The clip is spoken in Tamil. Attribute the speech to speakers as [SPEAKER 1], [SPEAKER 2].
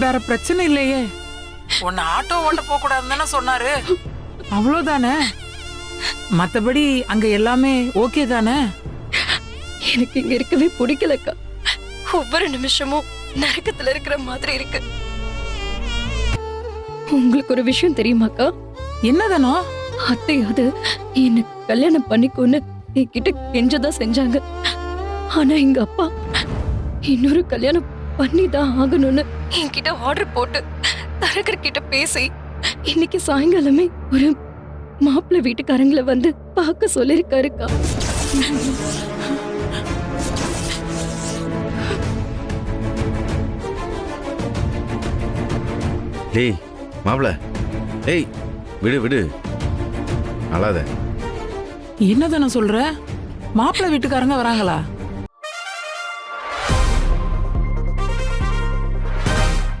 [SPEAKER 1] வேற பிரச்சனை இல்லையே.
[SPEAKER 2] உன்னை ஆட்டோ ஓட்ட போக கூடாதுன்னு சொன்னாரு.
[SPEAKER 1] அவ்வளவுதானே? மத்தபடி அங்க எல்லாமே ஓகே தானே?
[SPEAKER 3] எனக்கு இங்க இருக்கவே பிடிக்கலக்கா. ஒவ்வொரு நிமிஷமும் நரக்கத்துல இருக்கிற மாதிரி இருக்கு. உங்களுக்கு ஒரு விஷயம் தெரியுமாக்கா?
[SPEAKER 1] என்னதானோ?
[SPEAKER 3] அத்தையாவது என்ன கல்யாணம் பண்ணிக்கோன்னு என்கிட்ட கெஞ்சதான் செஞ்சாங்க. ஆனா எங்க அப்பா இன்னொரு கல்யாணம் பண்ணிதான் ஆகணும்னு என்கிட்ட ஆர்டர் போட்டு தரகர் கிட்ட பேசி இன்னைக்கு சாயங்காலமே ஒரு மாப்பிள்ளை வீட்டுக்காரங்களை வந்து பார்க்க சொல்லிருக்காருக்கா.
[SPEAKER 4] டேய் மாப்பிள, ஏய் விடு விடு, அழாத.
[SPEAKER 1] என்னதானோ சொல்ற? மாப்பிள்ளை வீட்டுக்காரங்க வராங்களா?